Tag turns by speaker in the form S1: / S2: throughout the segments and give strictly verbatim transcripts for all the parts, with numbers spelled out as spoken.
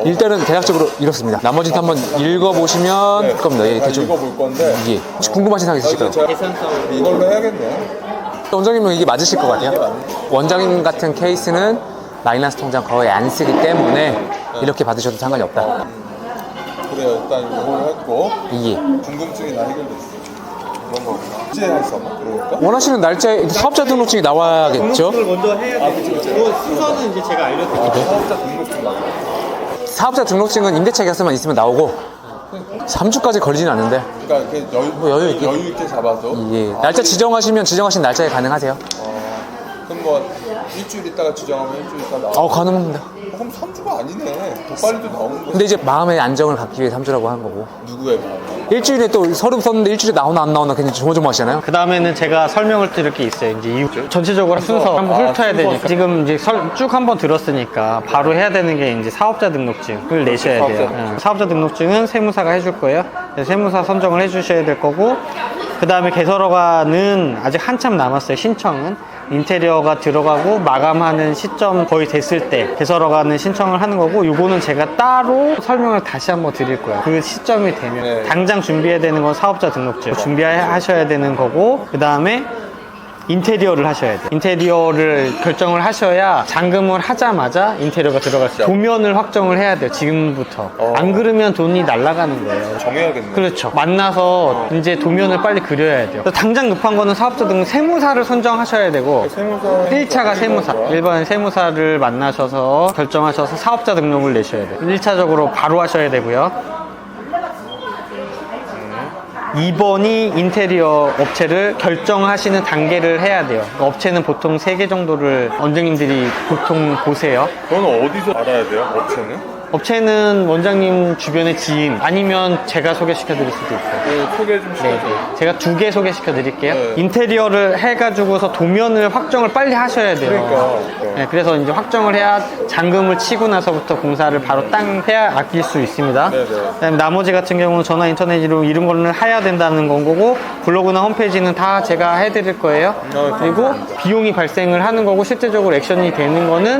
S1: 일단은 대략적으로 이렇습니다. 나머지는 한번 읽어보시면 될 겁니다. 예, 대충
S2: 읽어볼 건데
S1: 예. 혹시 궁금하신 사항 있으실까요?
S2: 이걸로 해야겠네요.
S1: 원장님은 이게 맞으실 것 같아요. 원장님 같은 케이스는 마이너스 통장 거의 안 쓰기 때문에 이렇게 받으셔도 상관이 없다.
S2: 그래요. 일단 이걸 했고
S1: 예.
S2: 궁금증이 다 해결됐어. 그런 거구나. 이제 할수 없나? 그러니까?
S1: 원하시는 날짜에 사업자 등록증이 나와야겠죠?
S3: 등록을 먼저 해야 돼요. 그 순서는 이제 제가 알려드릴게요.
S2: 사업자 등록증 맞아.
S1: 사업자 등록증은 임대차 계약서만 있으면 나오고 삼 주까지 걸리진 않는데
S2: 그러니까 이렇게 여유,
S1: 뭐 여유 있게.
S2: 여유 있게 잡아서.
S1: 예. 날짜 지정하시면 지정하신 날짜에 가능하세요.
S2: 어, 그럼 뭐 일주일 있다가 지정하면 일주일 있다 나와.
S1: 어, 가능합니다.
S2: 어, 그럼 삼 주가 아니네. 더 빨리도 나오는 거지.
S1: 근데 이제 마음의 안정을 갖기 위해 삼 주라고 한 거고
S2: 누구의 마음?
S1: 일주일에 또 서류 썼는데 일주일에 나오나 안 나오나 굉장히 조마조마하시잖아요.
S3: 그 다음에는 제가 설명을 드릴 게 있어요. 이제 이후 전체적으로 순서 한번
S2: 아,
S3: 훑어야
S2: 순서.
S3: 되니까 지금 이제 설- 쭉 한번 들었으니까 바로 해야 되는 게 이제 사업자 등록증을 내셔야
S2: 사업자
S3: 돼요.
S2: 등록증.
S3: 응. 사업자 등록증은 세무사가 해줄 거예요. 그래서 세무사 선정을 해주셔야 될 거고 그 다음에 개설허가는 아직 한참 남았어요. 신청은 인테리어가 들어가고 마감하는 시점 거의 됐을 때 개설허가는 신청을 하는 거고 요거는 제가 따로 설명을 다시 한번 드릴 거예요. 그 시점이 되면
S2: 네.
S3: 당장 준비해야 되는 건 사업자 등록증 준비하셔야 되는 거고 그 다음에 인테리어를 하셔야 돼요. 인테리어를 결정을 하셔야 잔금을 하자마자 인테리어가 들어갈 수 있어요. 도면을 확정을 해야 돼요. 지금부터.
S2: 어.
S3: 안 그러면 돈이 날아가는 거예요.
S2: 정해야겠네.
S3: 그렇죠. 만나서 이제 도면을 빨리 그려야 돼요. 그래서 당장 급한 거는 사업자 등 세무사를 선정하셔야 되고
S2: 세무사
S3: 일 차가 세무사. 일반 세무사를 만나셔서 결정하셔서 사업자 등록을 내셔야 돼요. 일 차적으로 바로 하셔야 되고요. 이 번이 인테리어 업체를 결정하시는 단계를 해야 돼요. 그러니까 업체는 보통 세 개 정도를 원장님들이 보통 보세요.
S2: 그건 어디서 알아야 돼요? 업체는?
S3: 업체는 원장님 주변의 지인 아니면 제가 소개시켜 드릴 수도 있어요.
S2: 그 소개 좀
S3: 네,
S2: 시켜줘요.
S3: 제가 두 개 소개시켜 드릴게요.
S2: 네.
S3: 인테리어를 해가지고서 도면을 확정을 빨리 하셔야 돼요.
S2: 그러니까.
S3: 네, 그래서 이제 확정을 해야 잔금을 치고 나서부터 공사를 바로 땅 해야 아낄 수 있습니다.
S2: 네, 네.
S3: 그다음에 나머지 같은 경우는 전화 인터넷으로 이런 거는 해야 된다는 건 거고 블로그나 홈페이지는 다 제가 해드릴 거예요.
S2: 네,
S3: 그리고
S2: 감사합니다.
S3: 비용이 발생을 하는 거고 실제적으로 액션이 되는 거는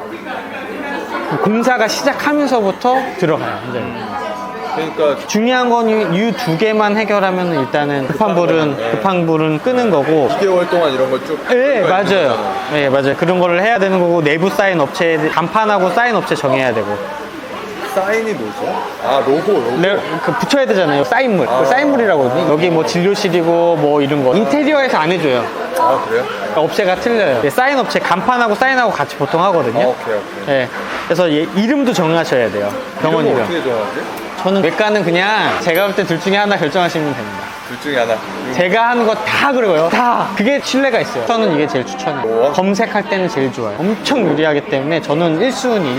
S3: 공사가 시작하면서부터 들어가요. 이제.
S2: 그러니까
S3: 중요한 건 이 두 개만 해결하면 일단은 급한 불은 급한 불은 끄는 거고.
S2: 이 개월 동안 이런 거 쭉.
S3: 네, 맞아요. 네, 맞아요. 그런 거를 해야 되는 거고 내부 사인 업체 간판하고 사인 업체 정해야 되고.
S2: 사인이 뭐죠? 아 로고 로고.
S3: 네, 그 붙여야 되잖아요. 사인물.
S2: 아.
S3: 그 사인물이라고 하거든요. 여기 뭐 진료실이고 뭐 이런 거. 인테리어에서 안 해줘요.
S2: 아 그래요?
S3: 그러니까 업체가 틀려요. 네, 사인 업체 간판하고 사인하고 같이 보통 하거든요.
S2: 아 오케이 오케이.
S3: 네. 그래서 얘 이름도 정하셔야 돼요. 병원
S2: 이런 거
S3: 이름.
S2: 어떻게 정하지?
S3: 저는 외과는 그냥 제가 볼 때 둘 중에 하나 결정하시면 됩니다.
S2: 둘 중에 하나.
S3: 제가 하는 거 다 그려요. 다. 그게 신뢰가 있어요. 저는 이게 제일 추천해요.
S2: 뭐?
S3: 검색할 때는 제일 좋아요. 엄청 유리하기 때문에 저는 일 순위.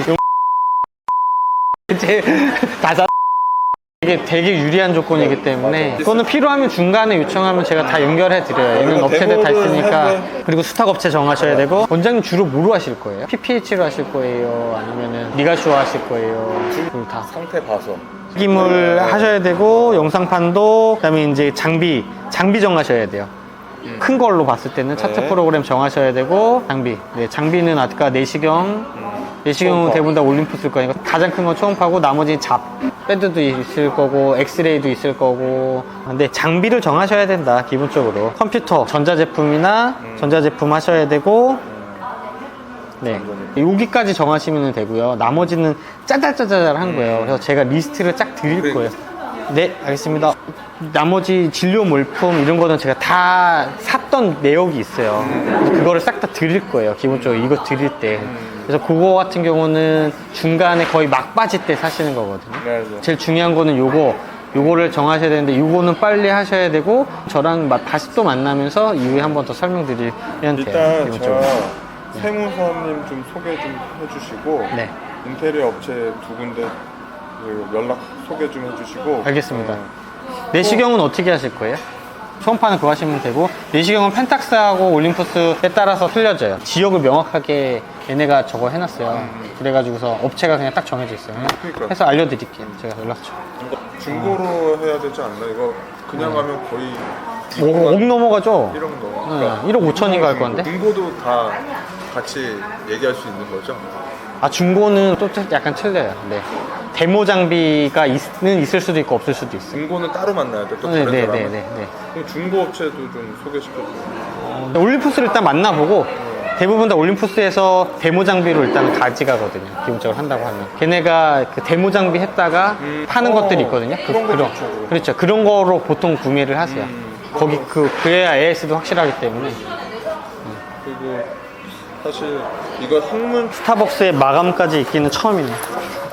S3: 제일 다자. 이게 되게 유리한 조건이기 때문에 그거는 필요하면 중간에 요청하면 제가 다 연결해 드려요. 얘는 업체들 다 있으니까. 그리고 수탁 업체 정하셔야 되고. 원장님 주로 뭐로 하실 거예요? 피피에이치로 하실 거예요? 아니면은 미가쇼 하실 거예요? 둘 다.
S2: 상태 봐서.
S3: 튀김을 하셔야 되고 영상판도 그다음에 이제 장비 장비 정하셔야 돼요. 큰 걸로 봤을 때는 차트
S2: 네.
S3: 프로그램 정하셔야 되고 장비. 네, 장비는 아까 내시경 내시경은
S2: 초음파.
S3: 대부분 다 올림푸 쓸 거니까 가장 큰 건 초음파고 나머지 잡 배드도 있을 거고 엑스레이도 있을 거고. 근데 장비를 정하셔야 된다. 기본적으로 컴퓨터 전자제품이나 전자제품 하셔야 되고 네, 여기까지 정하시면 되고요. 나머지는 짜잘짜잘한 거예요. 그래서 제가 리스트를 쫙 드릴 거예요. 네, 알겠습니다. 나머지 진료 물품 이런 거는 제가 다 샀던 내역이 있어요. 그래서 그거를 싹 다 드릴 거예요. 기본적으로 이거 드릴 때. 그래서 그거 같은 경우는 중간에 거의 막바지 때 사시는 거거든요.
S2: 네, 네.
S3: 제일 중요한 거는 요거 요거를 정하셔야 되는데 요거는 빨리 하셔야 되고 저랑 마- 다시 또 만나면서 이후에 한 번 더 설명드리면 돼요.
S2: 일단
S3: 기본적으로.
S2: 저 세무사님 좀 소개 좀 해주시고
S3: 네.
S2: 인테리어 업체 두 군데 그 연락 소개 좀 해주시고.
S3: 알겠습니다.
S2: 어,
S3: 내시경은 어떻게 하실 거예요? 초음파는 그거 하시면 되고 내시경은 펜탁스하고 올림푸스에 따라서 틀려져요. 지역을 명확하게 얘네가 저거 해놨어요. 그래가지고서 업체가 그냥 딱 정해져 있어요.
S2: 그러니까.
S3: 해서 알려드릴게요. 제가 연락처.
S2: 이거 중고로 해야 되지 않나? 이거 그냥 하면 거의
S3: 오, 억 넘어가죠?
S2: 일억 넘어.
S3: 응, 일억 오천인가 할 건데?
S2: 중고도 다 같이 얘기할 수 있는 거죠?
S3: 아, 중고는 또 약간 틀려요. 네. 데모 장비가 있는 있을 수도 있고 없을 수도 있어요.
S2: 중고는 따로 만나야 돼. 또
S3: 네,
S2: 다른
S3: 네,
S2: 사람은.
S3: 네, 네, 네.
S2: 그럼 중고 업체도 좀 소개시켜줘.
S3: 어, 올림푸스를 일단 만나보고 대부분 다 올림푸스에서 데모 장비로 일단 가져가거든요. 기본적으로 한다고 하면. 걔네가 그 데모 장비 했다가
S2: 음,
S3: 파는
S2: 어,
S3: 것들이 있거든요. 그,
S2: 그런 거
S3: 그런,
S2: 좋죠, 그런 거.
S3: 그렇죠. 그런 거로 보통 구매를 하세요.
S2: 음,
S3: 거기 그, 그래야 에이에스도 확실하기 때문에.
S2: 그리고 사실 이거 학문
S3: 스타벅스의 마감까지 있기는 처음이네요.